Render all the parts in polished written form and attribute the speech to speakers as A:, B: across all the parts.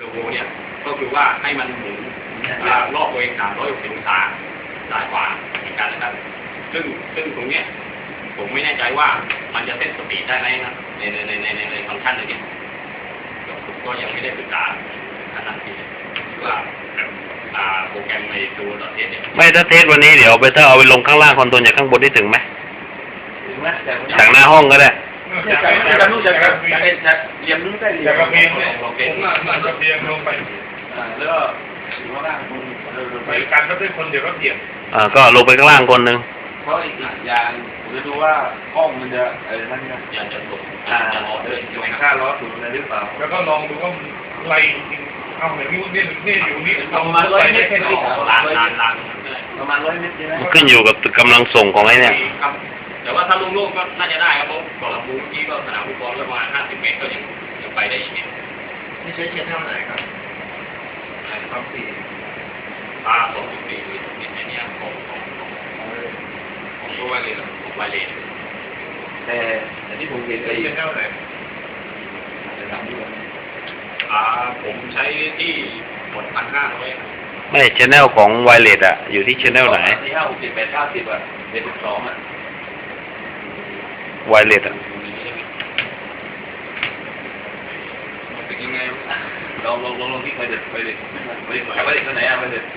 A: โวเนี่ยก็คือว่าให้มันหมุนรอบตัวเอง360 องศาซ้ายขวาเหมือนกันนะครับซึ่งตรงเนี้ยผมไม่แน่ใจว่ามันจะเซ็ตสปีดได้ไหมครับในฟังก์ชันเลยเนี่ยผมก็ยังไม่ได้ศึกษาขนาดนี้ว่าโปรแกรมในตัวเทสเนี่ย
B: ไม่ถ้าเทสวันนี้เดี๋ยวไปถ้าเอาไปลงข้างล่างคอนโทรลจากข้างบนได้ถึงไหมจากหน้าห้องก็ได้
C: จะรู้จะเรียนรู้ได้เรียน
A: เพียงมันจะเพียงลงไป
C: แล้วก็อยู่ข้างล่าง
A: ไปการก็เป็นคนเดียวก็เพียง
B: ก็ลงไปข้างล่างคนหนึ่ง
C: เพราะอีกอย่างผมจะดูว่าห้องมันจะนั่นนะ
A: อย่างจะตก
C: จะล้อเลยค่าล้อถูกอะไรหรือเปล่า
A: แล้วก็ลองดูว่าไรเอาเหมือนนี่อยู่นี่
C: ประมาณ100 เมตรแค่นี้ประมาณ100 เมตรใช่ไหม
B: ขึ้นอยู่กับกำลังส่งของไอ้เนี่ย
A: แต่ว่าถ้าโล่งๆก็น่าจะได้ครับผมก่อนเราบูมที่ก็สนามฟุตบอลประมาณ50 เมตรก็ยังไปได้อีกเนี่ย
C: นี่ใช้เท่าไหร่ครับความถี่
A: 2.4เนี่ยของตัวไวเลสของไวเลส
C: แต่ที่ผมเห็นไป
A: เท่าไหร่ผมใช้ที่หมด1,500
B: ไม่ชแนลของไวเลสอยู่ที่ชแนลไหน
C: ที่50 80 9072
B: ไวเลส
A: เป็นยังไง
C: ลองที่ไปเด็ดตัวไหนไปเด็ด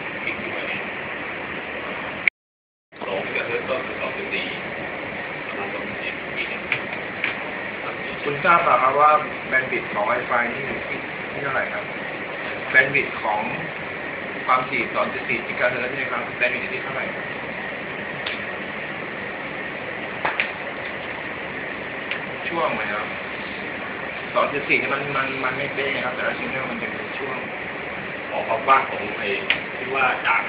D: คุณทราบเปล่าครับว่าแบนด์วิดต์ของ Wi-Fi นี่อยู่ที่เท่าไหร่ครับแบนด์วิดต์ของความถี่ 2.4 กิกะเฮิรตซ์นี่ครับแบนด์วิดต์อยู่ที่เท่าไหร่ช่วงไหมครับ 2.4 นี่มันไม่เป๊ะครับแต่ละชิ้นเนี่ยมันจะเป็นช่วง
A: ความกว้างของที่ว่าจาก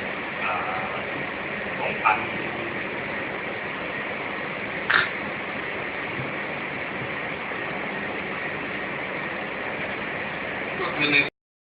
A: 2,000ก็คือ